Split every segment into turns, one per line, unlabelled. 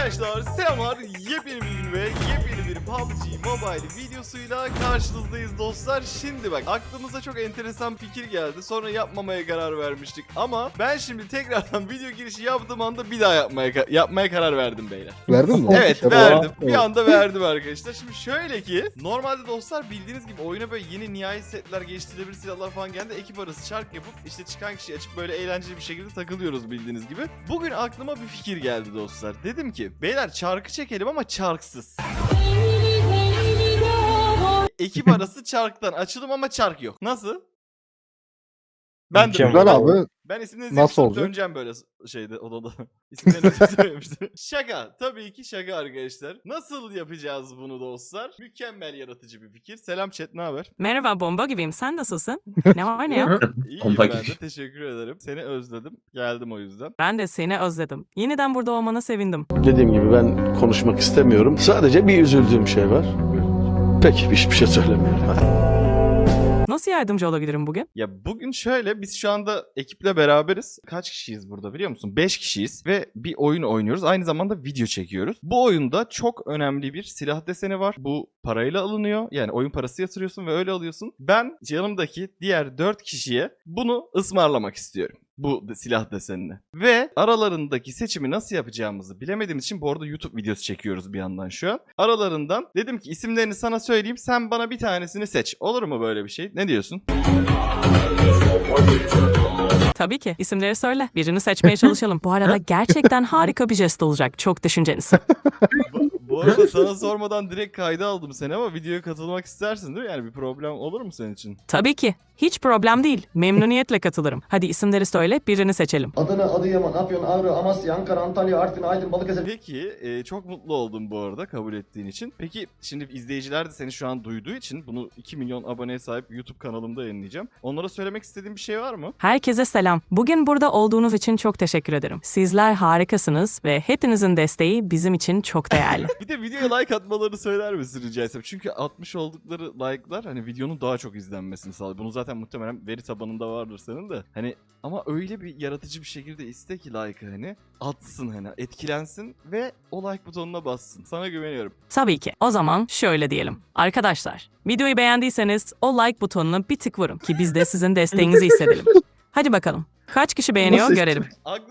Arkadaşlar selamlar, yepyeni bir gün ve yepyeni bir PUBG Mobile videosuyla karşınızdayız dostlar. Şimdi bak, aklımıza çok enteresan fikir geldi, sonra yapmamaya karar vermiştik ama ben şimdi tekrardan video girişi yaptığım anda bir daha yapmaya karar verdim beyler.
Verdin mi?
Evet,
Ya,
verdim.
evet.
Bir anda verdim arkadaşlar. Şimdi şöyle ki, normalde dostlar bildiğiniz gibi oyuna böyle yeni nihai setler, geliştirilebilir silahlar falan geldi. Ekip arası çark yapıp işte çıkan kişiyi açıp böyle eğlenceli bir şekilde takılıyoruz bildiğiniz gibi. Bugün aklıma bir fikir geldi dostlar. Dedim ki beyler çarkı çekelim ama çarksız. Ekip arası çarktan açılım ama çark yok. Nasıl? Ben de
Güzel
böyle.
abi.
Ben isimlerinizi
Nasıl
yapıp
olacak?
döneceğim böyle şeyde, odada. İsimlerinizi söylemiştim. Şaka. Tabii ki şaka arkadaşlar. Nasıl yapacağız bunu dostlar? Mükemmel yaratıcı bir fikir. Selam chat, ne haber?
Merhaba, bomba gibiyim. Sen nasılsın? Ne var ne yok?
İyiyim
Bomba
ben de,
gibi.
teşekkür ederim. Seni özledim. Geldim o yüzden.
Ben de seni özledim. Yeniden burada olmana sevindim.
Dediğim gibi ben konuşmak istemiyorum. Sadece bir üzüldüğüm şey var. Peki hiçbir şey söylemiyorum. Hadi.
Nasıl yardımcı olabilirim bugün?
Ya bugün şöyle, biz şu anda ekiple beraberiz. Kaç kişiyiz burada biliyor musun? 5 kişiyiz ve bir oyun oynuyoruz. Aynı zamanda video çekiyoruz. Bu oyunda çok önemli bir silah deseni var. Bu parayla alınıyor. Yani oyun parası yatırıyorsun ve öyle alıyorsun. Ben yanımdaki diğer 4 kişiye bunu ısmarlamak istiyorum. Bu silah desenini. Ve aralarındaki seçimi nasıl yapacağımızı bilemediğimiz için, bu arada YouTube videosu çekiyoruz bir yandan şu an. Aralarından dedim ki isimlerini sana söyleyeyim, sen bana bir tanesini seç. Olur mu böyle bir şey? Ne diyorsun?
Tabii ki. İsimleri söyle. Birini seçmeye çalışalım. Bu arada gerçekten harika bir jest olacak. Çok düşüncelisin.
Bu arada sana sormadan direkt kayda aldım seni ama videoya katılmak istersin değil mi? Yani bir problem olur mu senin için?
Tabii ki. Hiç problem değil. Memnuniyetle katılırım. Hadi isimleri söyle. Birini seçelim.
Adana, Adıyaman, Afyon, Ağrı, Amasya, Ankara, Antalya, Artvin, Aydın, Balıkesir.
Peki çok mutlu oldum bu arada kabul ettiğin için. Peki şimdi izleyiciler de seni şu an duyduğu için bunu 2 milyon aboneye sahip YouTube kanalımda yayınlayacağım. Onlara söylemek istediğin bir şey var mı?
Herkese selam. Bugün burada olduğunuz için çok teşekkür ederim. Sizler harikasınız ve hepinizin desteği bizim için çok değerli.
Bir de videoya like atmalarını söyler misin rica etsem? Çünkü atmış oldukları like'lar hani videonun daha çok izlenmesini sağlıyor. Bunu zaten muhtemelen veri tabanında vardır senin de. Hani ama öyle bir yaratıcı bir şekilde iste ki like'ı hani atsın, hani etkilensin ve o like butonuna bassın. Sana güveniyorum.
Tabii ki. O zaman şöyle diyelim. Arkadaşlar, videoyu beğendiyseniz o like butonuna bir tık vurun ki biz de sizin desteğinizi hissedelim. Hadi bakalım. Kaç kişi beğeniyor
Nasıl
görelim.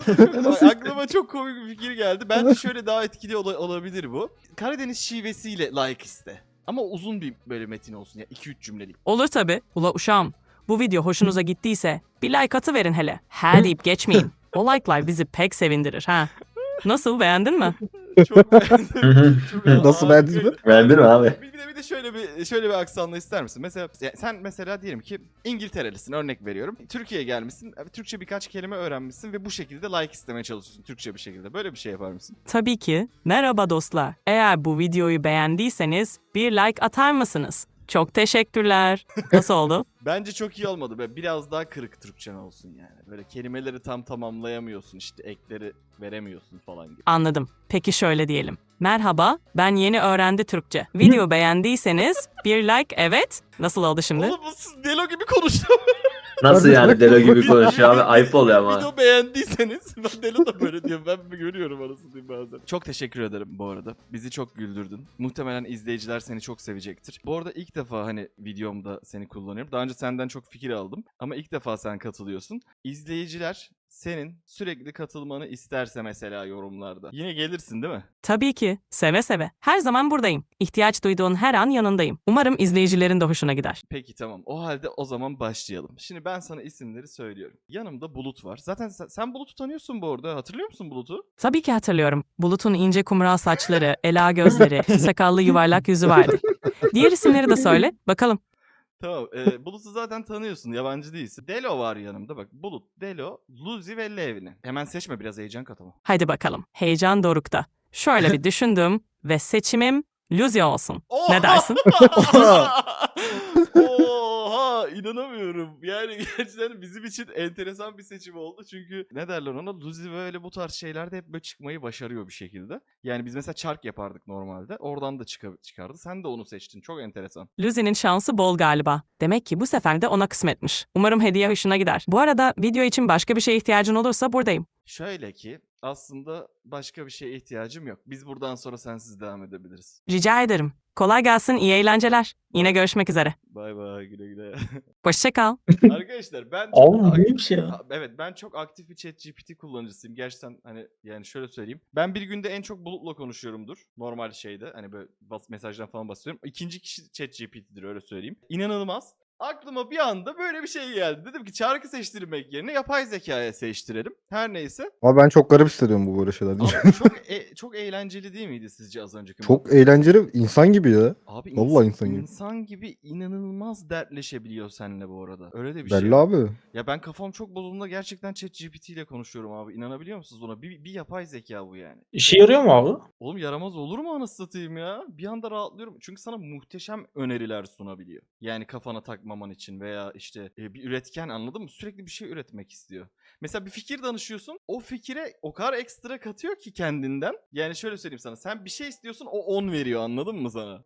Aklıma çok komik bir fikir geldi. Bence şöyle daha etkili olabilir bu. Karadeniz şivesiyle like iste. Ama uzun bir böyle metin olsun ya, 2-3 cümlelik.
Olur tabii. Ula uşağım. Bu video hoşunuza gittiyse bir like atıverin hele. Ha deyip geçmeyin. O like'lar bizi pek sevindirir ha. Nasıl, beğendin mi?
Çok beğendim. Çok
Nasıl, beğendin mi?
Beğendin mi abi?
Bir de şöyle bir aksanla ister misin? Mesela sen mesela diyelim ki İngilterelisin, örnek veriyorum. Türkiye'ye gelmişsin. Türkçe birkaç kelime öğrenmişsin ve bu şekilde like istemeye çalışıyorsun Türkçe bir şekilde. Böyle bir şey yapar mısın?
Tabii ki. Merhaba dostlar. Eğer bu videoyu beğendiyseniz bir like atar mısınız? Çok teşekkürler. Nasıl oldu?
Bence çok iyi olmadı. Böyle biraz daha kırık Türkçen olsun yani. Böyle kelimeleri tam tamamlayamıyorsun, işte ekleri veremiyorsun falan gibi.
Anladım. Peki şöyle diyelim. Merhaba, ben yeni öğrendi Türkçe. Video beğendiyseniz bir like, evet. Nasıl oldu şimdi?
Oğlum bu Delo gibi konuştu.
Nasıl yani delo gibi konuşuyor abi? Ayıp oluyor ama.
Video beğendiyseniz, ben Delo da böyle diyor. Ben görüyorum arasını diyeyim bazen. Çok teşekkür ederim bu arada. Bizi çok güldürdün. Muhtemelen izleyiciler seni çok sevecektir. Bu arada ilk defa hani videomda seni kullanıyorum. Daha önce senden çok fikir aldım. Ama ilk defa sen katılıyorsun. İzleyiciler senin sürekli katılmanı isterse mesela yorumlarda, yine gelirsin değil mi?
Tabii ki. Seve seve. Her zaman buradayım. İhtiyaç duyduğun her an yanındayım. Umarım izleyicilerin de hoşuna gider.
Peki tamam. O halde o zaman başlayalım. Şimdi ben sana isimleri söylüyorum. Yanımda Bulut var. Zaten sen Bulut'u tanıyorsun bu arada. Hatırlıyor musun Bulut'u?
Tabii ki hatırlıyorum. Bulut'un ince kumral saçları, ela gözleri, sakallı yuvarlak yüzü vardı. Diğer isimleri de söyle. Bakalım.
Tamam. Bulut'u zaten tanıyorsun. Yabancı değilsin. Delo var yanımda. Bak Bulut, Delo, Luzi ve Levni. Hemen seçme, biraz heyecan kat ama.
Haydi bakalım. Heyecan dorukta. Şöyle bir düşündüm ve seçimim Luzi olsun. Ne dersin?
Oha Ya inanamıyorum. Yani gerçekten bizim için enteresan bir seçim oldu. Çünkü ne derler ona? Luzi böyle bu tarz şeylerde hep böyle çıkmayı başarıyor bir şekilde. Yani biz mesela çark yapardık normalde. Oradan da çıkardı. Sen de onu seçtin. Çok enteresan.
Luzi'nin şansı bol galiba. Demek ki bu sefer de ona kısmetmiş. Umarım hediye hoşuna gider. Bu arada video için başka bir şeye ihtiyacın olursa buradayım.
Şöyle ki aslında başka bir şeye ihtiyacım yok. Biz buradan sonra sensiz devam edebiliriz.
Rica ederim. Kolay gelsin, iyi eğlenceler. Yine görüşmek üzere.
Bay bay, güle güle.
Hoşça kal.
Arkadaşlar ben
Abi
çok
bu neymiş ya?
Evet, ben çok aktif bir ChatGPT kullanıcısıyım. Gerçekten hani yani şöyle söyleyeyim. Ben bir günde en çok Bulut'la konuşuyorumdur. Normal şeyde hani böyle mesajdan falan bahsediyorum. İkinci kişi ChatGPT'dir, öyle söyleyeyim. İnanılmaz. Aklıma bir anda böyle bir şey geldi. Dedim ki çarkı seçtirmek yerine yapay zekaya seçtirelim. Her neyse.
Ama ben çok garip hissediyorum bu böyle şeyler.
Ama çok eğlenceli değil miydi sizce az önceki?
Çok eğlenceli, insan gibi ya.
Abi
Vallahi insan gibi.
insan gibi inanılmaz dertleşebiliyor seninle bu arada. Öyle de bir
Belli
şey.
abi.
Ya ben kafam çok bozulduğunda gerçekten ChatGPT ile konuşuyorum abi. İnanabiliyor musunuz buna? Bir yapay zeka bu yani.
İşe yarıyor mu abi?
Oğlum yaramaz olur mu anasını satayım ya? Bir anda rahatlıyorum. Çünkü sana muhteşem öneriler sunabiliyor. Yani kafana takmaman için veya işte bir üretken, anladın mı? Sürekli bir şey üretmek istiyor. Mesela bir fikir danışıyorsun. O fikire o kadar ekstra katıyor ki kendinden. Yani şöyle söyleyeyim sana. Sen bir şey istiyorsun, o 10 veriyor, anladın mı sana?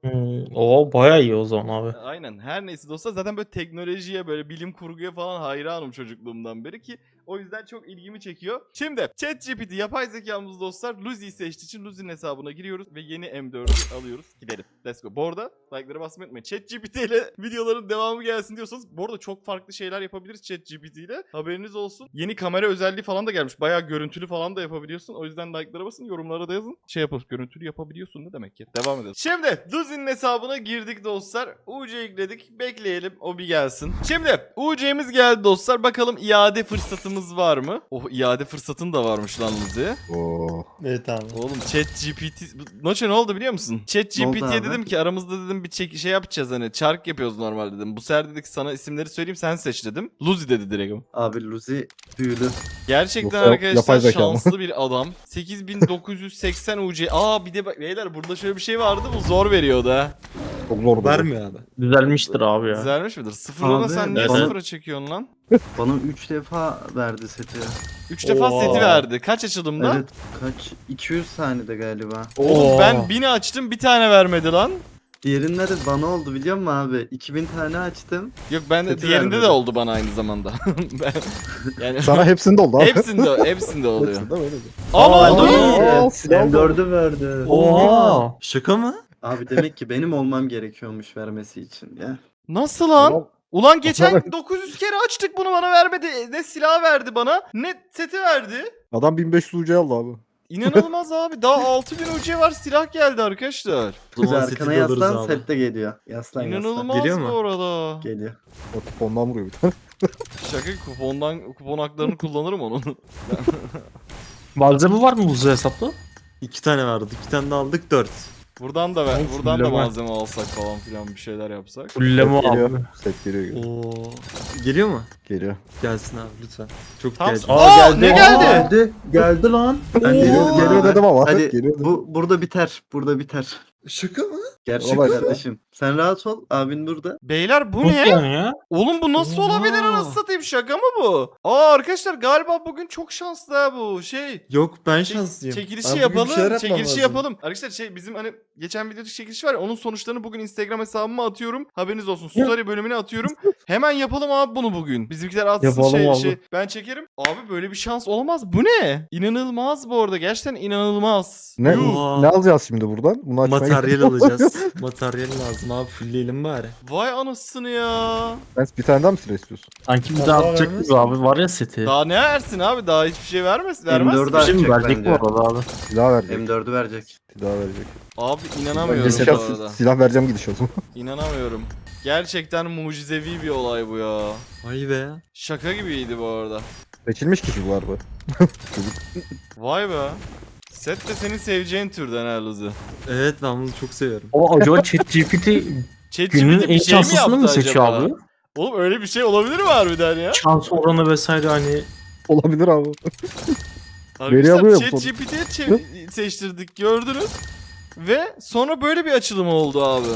O bayağı iyi o zaman abi.
Aynen, her neyse dostlar, zaten böyle teknolojiye, böyle bilim kurguya falan hayranım çocukluğumdan beri ki o yüzden çok ilgimi çekiyor. Şimdi ChatGPT yapay zekamız dostlar Luzi'yi seçtiği için Luzi'nin hesabına giriyoruz ve yeni M4'ü alıyoruz. Gidelim. Let's go. Bu arada like'lara basmayı unutmayın. ChatGPT ile videoların devamı gelsin diyorsanız bu arada çok farklı şeyler yapabiliriz ChatGPT ile. Haberiniz olsun. Yeni kamera özelliği falan da gelmiş. Bayağı görüntülü falan da yapabiliyorsun. O yüzden like'lara basın, yorumlara da yazın. Görüntülü yapabiliyorsun ne demek ki? Devam edelim. Şimdi Luzi'nin hesabına girdik dostlar. UC yükledik. Bekleyelim o bir gelsin. Şimdi UC'miz geldi dostlar. Bakalım iade fırsatımız var mı? Oh, iade fırsatın da varmış lan Luzi.
Oo.
Evet abi.
Oğlum ChatGPT... Noçe ne oldu biliyor musun? ChatGPT'ye
abi?
dedim ki aramızda dedim bir şey yapacağız, hani çark yapıyoruz normal dedim. Bu sefer dedik sana isimleri söyleyeyim, sen seç dedim. Luzi dedi direkt.
Abi Luzi büyülü.
Gerçekten
Yoksa
arkadaşlar
yapay zeka mı?
şanslı bir adam. 8980 UC. Aa bir de bak beyler, burada şöyle bir şey vardı, bu zor veriyordu ha.
Çok zor.
Vermiyor abi. Düzelmiştir abi ya.
Güzelmiş midir? Sıfırlana
Abi,
sen niye
evet.
sıfıra çekiyorsun lan?
Bana 3 defa verdi seti.
3 defa
Oha.
seti verdi. Kaç açılımda?
Evet, kaç? 200 saniyede galiba.
Oğlum
Oo.
ben 1000'i açtım, bir tane vermedi lan.
Diğerinde de bana oldu biliyor musun abi? 2000 tane açtım.
Yok ben de
Seti
diğerinde de
vermedi.
oldu bana aynı zamanda. yani
Sana hepsinde oldu abi.
hepsinde oluyor.
Hepsinde böyle.
Aa ne oldu?
Aa, silah oldu.
M4'ü verdi.
Oha. Şaka mı?
Abi demek ki benim olmam gerekiyormuş vermesi için ya.
Nasıl lan?
Ulan,
Ulan geçen 900 kere açtık bunu, bana vermedi. Ne silah verdi bana, ne seti verdi.
Adam 1500 UC aldı abi.
İnanılmaz abi. Daha 6000 UC var, silah geldi arkadaşlar.
Biz arkana yaslan set de geliyor. Yaslan
İnanılmaz
Geliyor mu?
bu arada.
yaslan. Geliyor.
O kupondan vuruyor bir tane.
Şaka, kupon haklarını kullanırım onun.
Malzeme var mı bu hesapta? 2 tane vardı. 2 tane de aldık 4.
Buradan da
Of,
buradan da
bilemem.
malzeme alsak falan filan, bir şeyler yapsak.
Fulleme
Geliyor.
abi.
Set geliyor.
Oo. Geliyor mu?
Geliyor.
Gelsin abi lütfen. Çok
Tamam.
geldi.
Aa, ne geldi?
Geldi. Geldi lan. Ben
Geliyor dedim ama.
Hadi
Geliyor dedim.
burada biter. Burada biter.
Şaka mı?
Gerçek
Olay.
kardeşim. Sen rahat ol. Abin burada.
Beyler bu
Nasıl
ne?
yani ya?
Oğlum bu nasıl
Oha.
olabilir, anasını satayım, şaka mı bu? Aa arkadaşlar galiba bugün çok şanslı ha bu şey.
Yok ben
Çek-
şanslıyım.
Çekilişi
Abi bugün bir şeyler
yapalım.
yapmam
Çekilişi
lazım.
yapalım. Arkadaşlar şey, bizim hani geçen videodaki çekilişi var ya, onun sonuçlarını bugün Instagram hesabıma atıyorum. Haberiniz olsun. Story bölümüne atıyorum. Hemen yapalım abi bunu bugün. Bizimkiler atsın
Yapalım abi.
şey. Ben çekerim. Abi böyle bir şans olamaz. Bu ne? İnanılmaz bu arada. Gerçekten inanılmaz.
Ne,
Yuh.
ne alacağız şimdi buradan? Bunu açmaya
Materyal
gerek yok.
alacağız. Materyal lazım abi. Fullleyelim bari.
Vay anasını ya.
Sen bir tane daha mı silah istiyorsun?
Sanki bir
Allah
daha atacak
vermez
gibi abi. Var ya seti.
Daha ne versin abi? Daha hiçbir şey vermez. Vermez.
M4'ü
mi?
Bir şey mi
açacak
verecek bu
bence.
arada abi?
Silah verecek.
M4'ü verecek.
Silah verecek.
Abi inanamıyorum bu
Silah,
arada.
silah vereceğim gidişatım.
İnanamıyorum. Gerçekten mucizevi bir olay bu ya.
Vay be.
Şaka gibiydi bu arada.
Seçilmiş kişi bu arada.
Vay be. Set de senin seveceğin türden ha Luzi.
Evet ben bunu çok seviyorum.
O acaba ChatGPT
ChatGPT
günün
bir
en
şey mi
şanslısını mı
yaptı
seçiyor
acaba?
abi?
Oğlum öyle bir şey olabilir mi harbiden ya?
Şans oranı vesaire hani
Olabilir abi. Veri
Arkadaşlar
alıyor mu
ChatGPT'ye seçtirdik, gördünüz. Ve sonra böyle bir açılım oldu abi.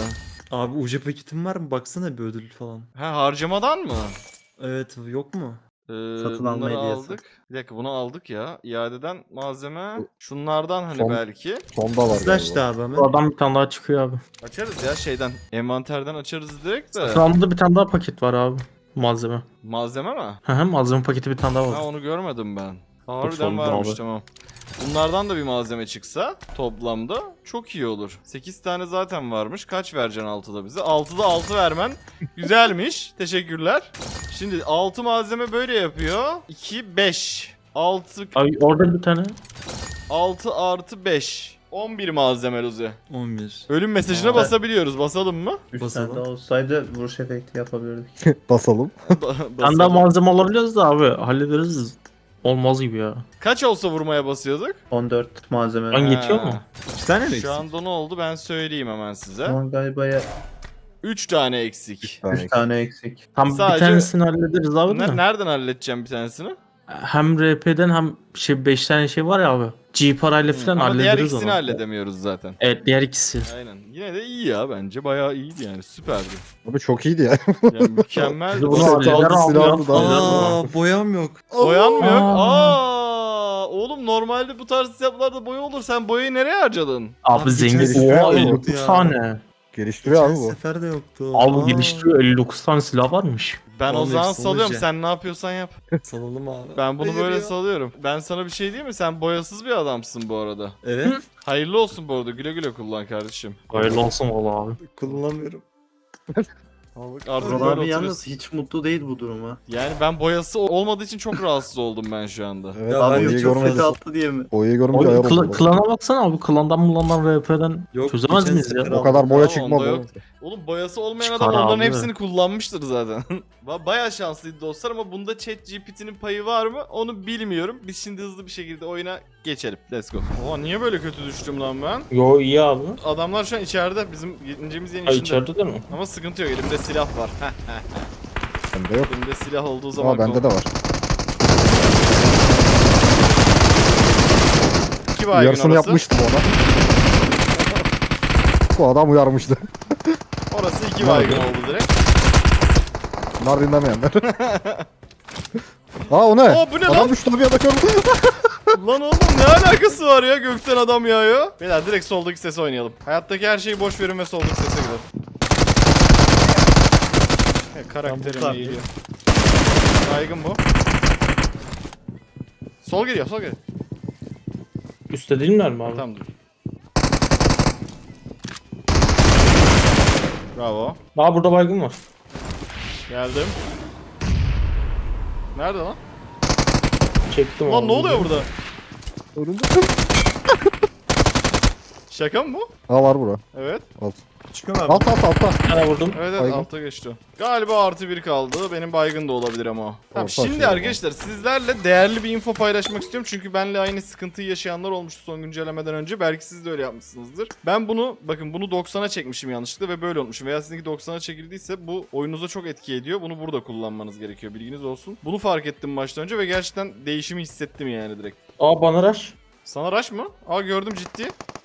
Abi UC paketin var mı? Baksana bir ödül falan.
Ha, harcamadan mı?
Evet yok mu?
Satın alma
Bunları
hediyesi.
aldık. Bir dakika, bunu aldık ya. İadeden malzeme. Şunlardan hani
Son-
belki.
Sonda var
Slash
galiba.
de abi hemen.
Bu adam bir tane daha çıkıyor abi.
Açarız ya şeyden. Envanterden açarız direkt de.
Sağımda bir tane daha paket var abi. Malzeme.
Malzeme mi?
Hı hı, malzeme paketi bir tane daha
Ha,
var.
onu görmedim ben. Harbiden
sonunda
varmış,
abi.
tamam. Bunlardan da bir malzeme çıksa toplamda çok iyi olur. 8 tane zaten varmış. Kaç vereceksin 6'da bize? 6'da 6 vermen güzelmiş. Teşekkürler. Şimdi 6 malzeme böyle yapıyor. 2, 5. 6
Abi orada bir tane.
6 artı 5. 11 malzeme Luzi.
11.
Ölüm mesajına
Aa.
basabiliyoruz. Basalım mı?
3
Basalım.
tane daha olsaydı vuruş efekti yapabilirdik.
Basalım.
Bir tane daha
Basalım.
malzeme alabiliyoruz da abi. Hallederiz. Olmaz gibi ya.
Kaç olsa vurmaya basıyorduk?
14 malzeme.
Hangi- yetiyor
Ha.
mu?
2 tane mi
Şu
eksik?
anda ne oldu ben söyleyeyim hemen size.
Şu an galiba ya
3 tane eksik.
3 tane eksik.
Tam
Sadece-
bir tanesini hallederiz abi de.
Nereden halledeceğim bir tanesini?
Hem RP'den hem 5 tane şey var ya abi. G parayla falan
Ama diğer
hallederiz
ikisini
onu.
halledemiyoruz zaten.
Evet diğer ikisi.
Aynen. Yine de iyi ya bence. Bayağı iyiydi yani. Süperdi.
Abi çok iyiydi ya.
Yani mükemmel.
Biz bunu
Set
halleder
aldı,
abi
silah
ya.
aldı, daha
Aa boyam yok.
Boyan mı yok?
Aa.
Oğlum normalde bu tarz hesaplarda boya olur. Sen boyayı nereye harcadın?
Abi
Abi
zengin.
geçen
sefer
Oha
de
59
yoktu ya.
tane.
Geliştiriyor abi
Geçen
bu.
sefer de yoktu.
Abi
Aa,
geliştiriyor 59 tane silah varmış.
Ben o
Oğlum
zaman
hepsi
salıyorum.
olacak.
Sen ne yapıyorsan yap.
Salalım abi.
Ben bunu
Hayır
böyle
ya.
salıyorum. Ben sana bir şey diyeyim mi? Sen boyasız bir adamsın bu arada.
Evet.
Hayırlı olsun bu arada. Güle güle kullan kardeşim.
Hayırlı olsun valla abi.
Kullanamıyorum.
Artık
Vural
böyle
abi yalnız
oturuyorsun.
hiç mutlu değil bu duruma.
Yani ben boyası olmadığı için çok rahatsız oldum ben şu anda.
Evet
Ya
abi
ben
boyayı
çok
görmedim.
kötü attı diye mi?
Boyayı görünce
Abi
ayar oldum.
klana baksana abi. Klandan RP'den
Yok,
çözemez
geçen
miyiz ya?
sefer
O kadar
Tamam,
boya
onda
çıkmadı.
yok. Oğlum boyası olmayan
Çıkar
adam onların
abi.
hepsini kullanmıştır zaten. Bayağı şanslıydı dostlar ama bunda ChatGPT'nin payı var mı onu bilmiyorum. Biz şimdi hızlı bir şekilde oyuna geçelim. Let's go. Oha niye böyle kötü düştüm lan ben?
Yo iyi abi.
Adamlar şu an içeride. Bizim incemiz yeni
Ay
içinde.
içeride de mi?
Ama sıkıntı yok, elimde silah var.
Bende yok.
Elimde silah olduğu zaman
Ama bende de var.
2 baygın
Yarısını
orası.
yapmıştım ona. Bu adam uyarmıştı.
Orası 2
Ne
baygın
oldu?
oldu direkt.
Bunlar dinlemeyenler. Aa o ne?
Oo, bu ne
Adam
lan?
düştü bir anda gördüm.
Lan oğlum ne alakası var ya, gökten adam yağıyor. Beyler direkt soldaki sesi oynayalım. Hayattaki her şeyi boş verin ve soldaki sese gidelim. Karakterim
Tamam,
iyi geliyor. Baygın bu. Sol geliyor, sol geliyor.
Üstte değiller mi abi?
Tamam dur. Bravo.
Aa burada baygın var.
Geldim. Nerede lan?
Çektim
Lan
abi.
ne oluyor burada?
Önünde.
Şaka mı bu?
Aa var bura.
Evet.
Alt.
Çıkıyor mu abi?
Altta.
Bir tane vurdum.
Evet evet
Baygın.
altta geçti. Galiba artı 1 kaldı. Benim baygın da olabilir ama o. Tamam,
Orta
şimdi
açıyor
arkadaşlar sizlerle değerli bir info paylaşmak istiyorum. Çünkü benle aynı sıkıntıyı yaşayanlar olmuştu son güncellemeden önce. Belki siz de öyle yapmışsınızdır. Ben bunu bakın bunu 90'a çekmişim yanlışlıkla ve böyle olmuşum. Veya sizinki 90'a çekildiyse bu oyununuza çok etki ediyor. Bunu burada kullanmanız gerekiyor, bilginiz olsun. Bunu fark ettim baştan önce ve gerçekten değişimi hissettim yani direkt.
Aa bana rush.
Sana rush mı? Aa gördüm, ciddi.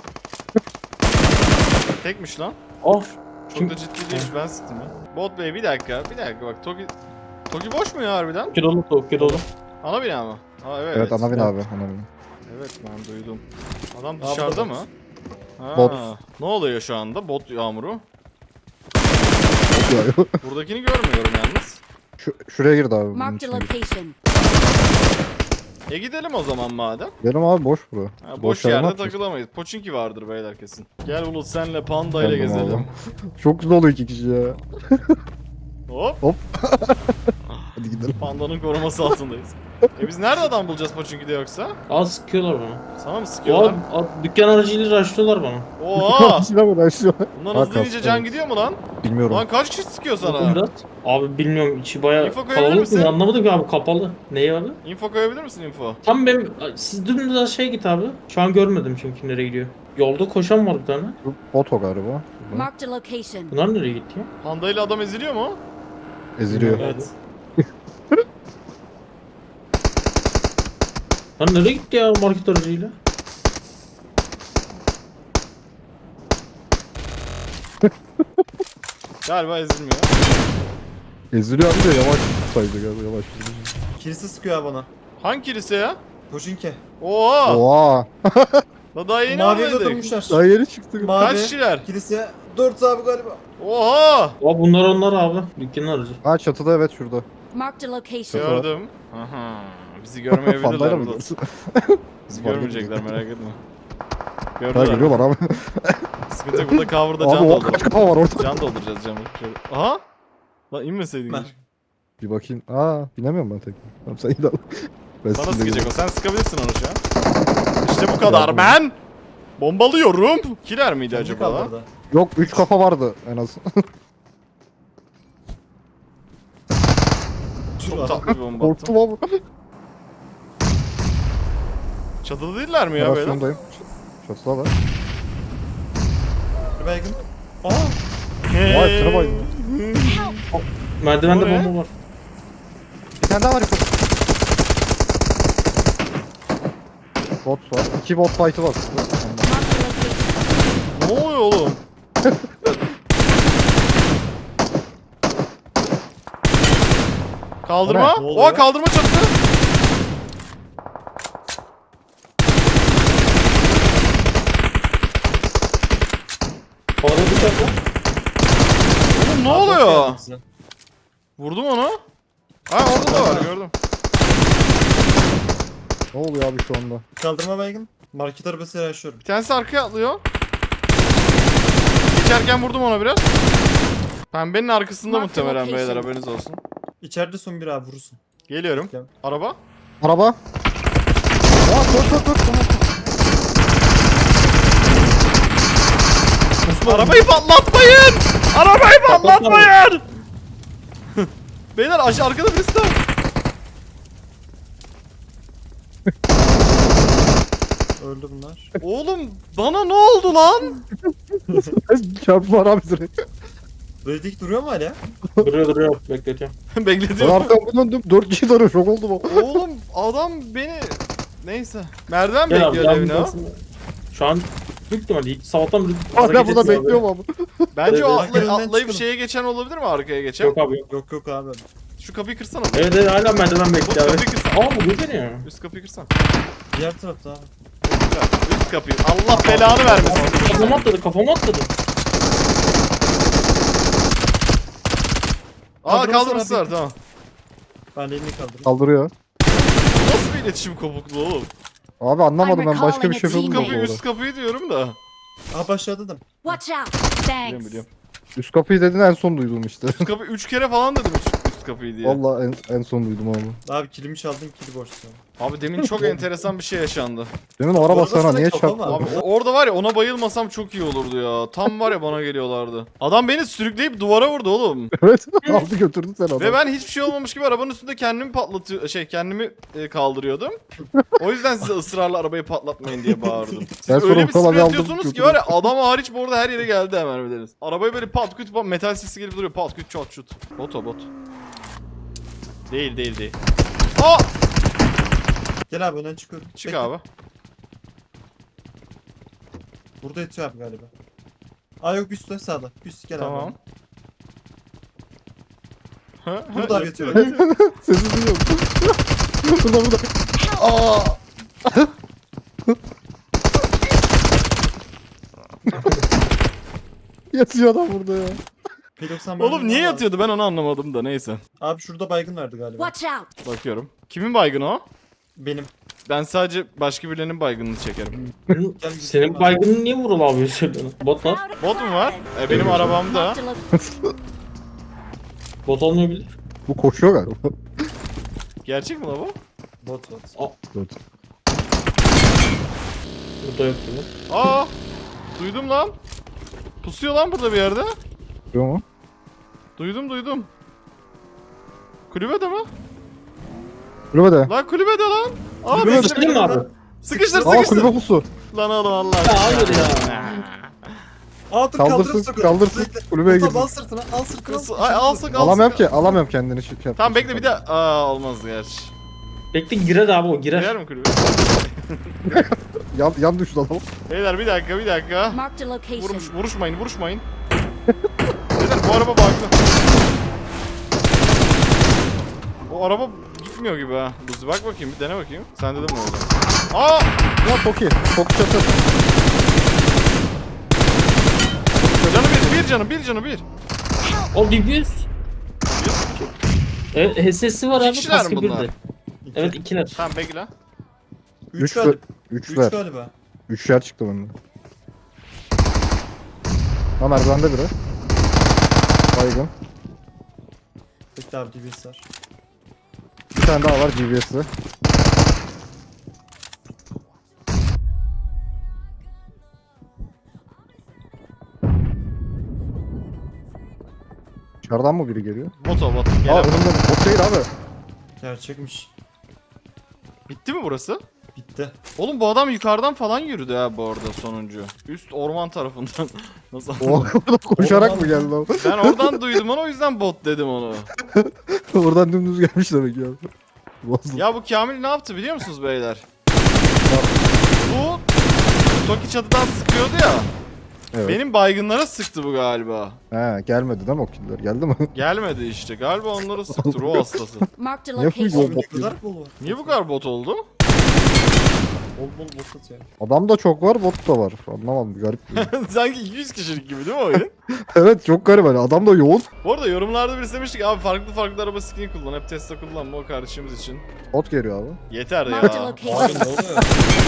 Tekmiş lan.
Of.
Çok
Kim-
da ciddi değilmiş, ben sıktım ya. Bot Bey bir dakika bak Toki boş mu ya harbiden?
Kilolu tavuk kilolu.
Ana bina mı? Aa evet.
Evet ana bin abi. Ana bin.
Evet ben duydum. Adam dışarıda mı? Ha,
Bot.
Ne oluyor şu anda? Bot yağmuru.
Yok, yok.
Buradakini görmüyorum yalnız.
Şuraya girdi abi. bunun
Marked a
içine girdi.
location.
Gidelim o zaman madem.
Benim abi boş bura.
Ha, boş
yere ne
yerde
yapacağız?
takılamayız. Poçinki vardır beyler kesin. Gel Bulut senle panda ile
Geldim
gezelim.
abi. Çok güzel oluyor iki kişi ya.
Hop.
Hadi gidelim.
Pandanın koruması altındayız. Biz nerede adam bulacağız Poçinki'de yoksa?
Aa sıkıyorlar bana.
Sana mı
Oha
sıkıyorlar?
dükkan aracıyla rushlıyorlar bana.
Oha!
Silah uğraşıyor.
Bundan
Ha,
hızlı inince
kastı,
can
evet.
gidiyor mu lan?
Bilmiyorum.
Lan kaç kişi sıkıyor
Vurdum
sana?
biraz. Abi bilmiyorum içi baya
İnfo koyabilir
kalabalık
misin?
mı? Anlamadım ki abi kapalı. Neyi abi?
Info koyabilir misin info?
Tam benim siz dümdüz aşağıya git abi. Şu an görmedim çünkü nereye gidiyor. Yolda koşan var bir tane.
Bu Bot o galiba.
Marked a location.
Bunlar nereye gitti ya?
Panda ile adam eziliyor mu?
Eziliyor.
Evet. Lan nereye gitti ya market aracıyla?
Galiba ezilmiyor.
Eziliyor abi de yavaş saydı galiba yavaş.
Kilise sıkıyor abi bana.
Hangi kilise ya?
Koşinke.
Oha!
Oha.
Daha yeni
Maviye de
almadık.
durmuşlar.
Daha yeni çıktık.
Mavi.
Kaç kişiler?
Kilise 4 abi galiba.
Oha!
Aa bunlar abi. Dükkanın aracı.
Ha çatıda evet şurada.
Marked a location.
Gördüm. Aha. Bizi
Fandayla
görmeyebilirler
mı
burada.
gidiyorsun?
Bizi
Fark
görmeyecekler
etmiyor.
merak etme.
Ha
Gördüler.
geliyorlar abi.
Sıkıntı yok, burada cover'da
Abi
can
o kaç
dolduracağız.
kafa var orada.
Can dolduracağız camı. Şöyle. Aha! Lan inmeseydin.
Ben.
keşke.
Bir bakayım. Aa binemiyorum ben tekrar. Tamam sen iyi al. Ben
Sana
sizinle
sıkacak o.
gidiyorum.
Sen sıkabilirsin onu şu an. İşte bu kadar
Yardım.
ben. Bombalıyorum. Kiler miydi
Acaba
acaba lan?
orada.
Yok 3 kafa vardı en az.
Çok tatlı bir bomba attım.
Korktum abi.
Çatıda değiller mi ya böyle?
Operasyondayım. Çatıda var.
Bir baygın.
Vay sıra baydı.
Merdivende
O ne?
bomba var.
Bir tane daha var yukarı. Bot var. 2 bot fight'ı var.
Ne oluyor oğlum? Kaldırma.
O ne?
Ne oluyor?
Oha kaldırma çatısı.
Havada bıçak var.
Oğlum ne oluyor? Vurdum onu. Ha orada da var gördüm.
Ne oluyor abi şu anda?
Kaldırma baygın. Market arabasıyla yaşıyorum.
Bir tanesi arkaya atlıyor. Geçerken vurdum ona biraz. Pembenin arkasında
Mark the
muhtemelen beyler
location.
haberiniz olsun.
İçeride son bir abi vurursun.
Geliyorum.
Gel.
Araba.
Araba. Aa dur.
Arabayı patlatmayın! Arabayı patlatmayın! Beyler aşağı arkada birisi daha.
Öldü bunlar.
Oğlum bana ne oldu lan?
Çarpı var abi direkt.
Redik duruyor mu hala?
Duruyor. Bekletiyorum.
Ben
Bekletiyorum.
arkamı döndüm. 4 kişi tarıyor. Şok oldum o.
Oğlum adam beni... Neyse. Merdiven
Gel abi.
bekliyor evine ha.
Şu an büyük ihtimalle ilk sabahtan beri
Hala burada bekliyorum abi.
Bence o
Evet,
atlayıp
önünden çıkalım.
şeye geçen olabilir mi arkaya geçen?
Yok abi yok.
Yok abi.
Şu kapıyı kırsana.
Evet hala merdiven
Bu
bekliyor abi.
kapıyı kırsana.
Aa bu beni ya.
Üst kapıyı kırsana.
Diğer tarafta abi.
Üst kapıyı. Allah belanı vermesin.
Kafama atladı.
Aa
Kaldırması
kaldırması
var
var tamam.
Ben elini kaldırdım.
Kaldırıyor.
Nasıl bir iletişim kopukluğu oğlum?
Abi anlamadım ben başka bir şey
Üst
yapıyordum
kapıyı
orada.
üst kapıyı diyorum da.
Aha başladım.
Watch out.
Biliyorum
Thanks.
biliyorum.
Üst kapıyı dedin en son duydum işte.
Üst kapıyı 3 kere falan dedim üst kapıyı diye.
Valla en son duydum abi.
Abi kilimi çaldın kili boşsun.
Abi demin çok enteresan bir şey yaşandı.
Demin o araba sana
Arabasına
niye
kafa
çarptı?
var.
Abi orada var ya ona bayılmasam çok iyi olurdu ya. Tam var ya bana geliyorlardı. Adam beni sürükleyip duvara vurdu oğlum.
Evet aldı götürdü sen adamı.
Ve ben hiçbir şey olmamış gibi arabanın üstünde kendimi kendimi kaldırıyordum. O yüzden size ısrarla arabayı patlatmayın diye bağırdım. Siz
Ben sonra
öyle bir
ortalığı
sprey
aldım,
atıyorsunuz ki
götürdüm.
var ya adam hariç bu arada her yere geldi hemen biliriz. Arabayı böyle pat küt pat metal sesi gelip duruyor pat küt çat şut. Bot. Değil. Aa!
Gel abi önden çıkıyorum.
Çık
Bekle.
abi.
Burada yatıyor abi galiba. Aa yok üstte sağda. Üst gel
Tamam.
abi. Burada abi yatıyor.
Sesi duyuyorum. burada. Aa. Yatıyor adam burada ya.
P90
Oğlum niye
abi.
yatıyordu ben onu anlamadım da neyse.
Abi şurada baygın vardı galiba.
Watch out.
Bakıyorum. Kimin baygını o?
Benim.
Ben sadece başka birilerinin baygınını çekerim.
Gel
Senin baygının niye vurul abi söylüyorsun? Bot var.
Bot mu var? Benim arabamda.
Marked a location.
Bot olmayabilir.
Bu koşuyor galiba.
Gerçek mi la bu?
Bot.
Evet.
Burada yok gibi.
Aa! Duydum lan. Pusuyor lan burada bir yerde.
Yok mu?
Duydum. Kulübede mi?
Kulübede.
Lan kulübede lan. Aa
Kulübede.
Sıkıştırdın mı abi?
sıkıştır
Aa
sıkıştır.
kulübe pusu.
Lan oğlum Allah.
Ya hayır ya.
Aa dur
Kaldırsın. Kulübeye
Al
girsin.
sırtına al sırtına.
Kız, ay alsın alsın.
Alamıyorum kendini. Şey yap.
Tamam bekle bir de. Aa olmaz gerçi.
Bekle girer abi o girer.
Girer mi kulübe?
Yan düştü adam.
Beyler bir dakika.
Marked a location.
Vuruşmayın. Beyler bu araba bug'lı. O araba gitmiyor gibi ha. Luzi bak bakayım bir dene bakayım. Sen dedin mi orada? Aa!
Ya Toki. Toki çatı.
Canı bir canı bir.
O DBS. Evet HSS'i var
İki
abi.
kişiler mi
Kaskı
bunlar?
birdi. Evet ikiler.
Tamam bekle.
3
Üç
galiba.
Üç
3
ver.
galiba.
3 yer çıktı bende. Ha merdivende biri. Baygın.
Bekle abi DBS var.
Bir tane daha var GBS'li. Dışarıdan mı biri geliyor?
Bot.
Aa
Gelen.
önümde bot değil abi.
Gerçekmiş.
Bitti mi burası?
Bitti.
Oğlum bu adam yukarıdan falan yürüdü ha bu arada sonuncu. Üst orman tarafından. Nasıl
O oradan koşarak mı geldi abi?
Ben oradan duydum onu o yüzden bot dedim onu.
Oradan dümdüz gelmiş demek ya. Bozdu.
Ya bu Kamil ne yaptı biliyor musunuz beyler? Bu Toki çatıdan sıkıyordu ya.
Evet.
Benim baygınlara sıktı bu galiba.
He gelmedi değil mi o killer? Geldi mi?
Gelmedi işte. Galiba onları sıktı ruh hastası.
Marked a
Ne yapıyor
location.
bu bot
Ne kadar
ya?
bol var.
Niye bu kadar bot oldu?
Bol bol bot atıyor.
Adam da çok var, bot da var. Anlamadım, garip.
Sanki 200 kişilik gibi değil mi oyun?
Evet çok garip hani. Adam da yoğun.
Bu arada yorumlarda birisi demişti ki abi farklı araba skin kullan. Hep Tesla kullanma o kardeşimiz için.
Bot geliyor abi.
Yeter
Marked a
ya.
Abi
location.
ne oluyor?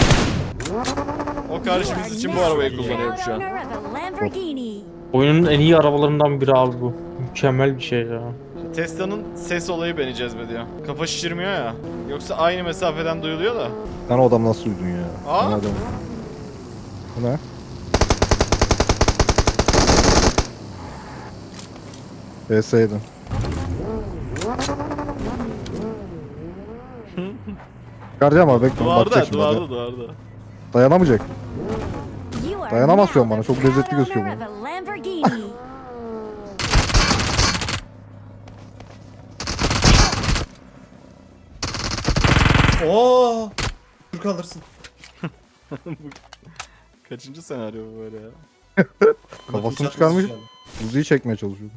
O kardeşimiz için bu arabayı kullanıyorum şu an.
Owner of a Lamborghini.
Oyunun en iyi arabalarından biri abi bu. Mükemmel bir şey ya.
Tesla'nın ses olayı beni cezbediyor. Kafa şişirmiyor ya. Yoksa aynı mesafeden duyuluyor da.
Sen o adam nasıl duydun ya?
Aa!
Ben adam. Bu ne? Vs'ydin. Çıkaracağım abi bekle.
Duvarda,
Bakacak şimdi. hadi.
duvarda.
Dayanamayacak.
You are
Dayanamaz şu an
now
bana,
the
çok lezzetli
proud
gözüküyor
owner
bu.
of a Lamborghini.
Oo! Türk alırsın.
Kaçıncı senaryo bu böyle ya?
Kafasını çıkarmış. Buzuyu çekmeye çalışıyordu.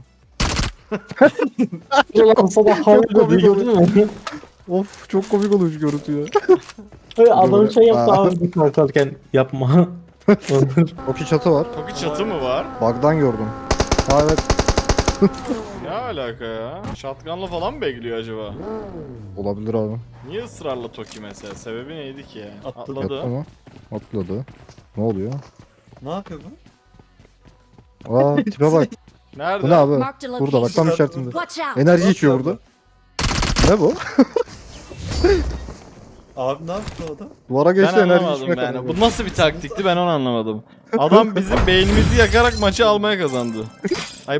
Kafada havlu gördün mü?
Of çok komik olmuş görüntü ya.
Böyle adam şey yaptı
Aa.
abi kalkarken yapma.
Toki çatı var.
Toki çatı mı var?
Bug'dan gördüm. Ha evet.
Ne alaka ya? Shotgun'la falan mı bekliyor acaba?
Olabilir abi.
Niye ısrarla Toki mesela? Sebebi neydi ki?
Atladı.
Yattı mı? Atladı. Ne oluyor?
Ne yapıyor bu?
Aa tipe bak.
Nerede?
Bu ne abi?
Marked a
Burada bak tam
location.
işaretimde.
Watch out.
Enerji içiyor burada. Ne bu?
Abi ne yaptı o da?
Duvara
Ben
geçti enerji
anlamadım
içmek.
yani. Bu nasıl bir taktikti ben onu anlamadım. Adam bizim beynimizi yakarak maçı almaya kazandı. Ay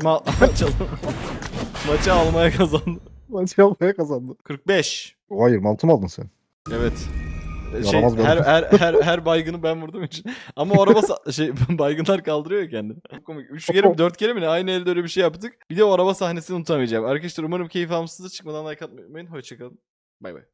maçı almaya kazandı.
Maçı yapmaya kazandı.
45.
Hayır mantı mı aldın sen?
Evet.
Yaramaz bir
Her baygını ben vurduğum için. Ama o araba baygınlar kaldırıyor ya kendini. Çok komik. 3 kere mi 4 kere mi ne aynı elde öyle bir şey yaptık. Bir de o araba sahnesini unutamayacağım. Arkadaşlar umarım keyif almışsınızdır. Çıkmadan like atmayı unutmayın. Hoşçakalın. Bay bay.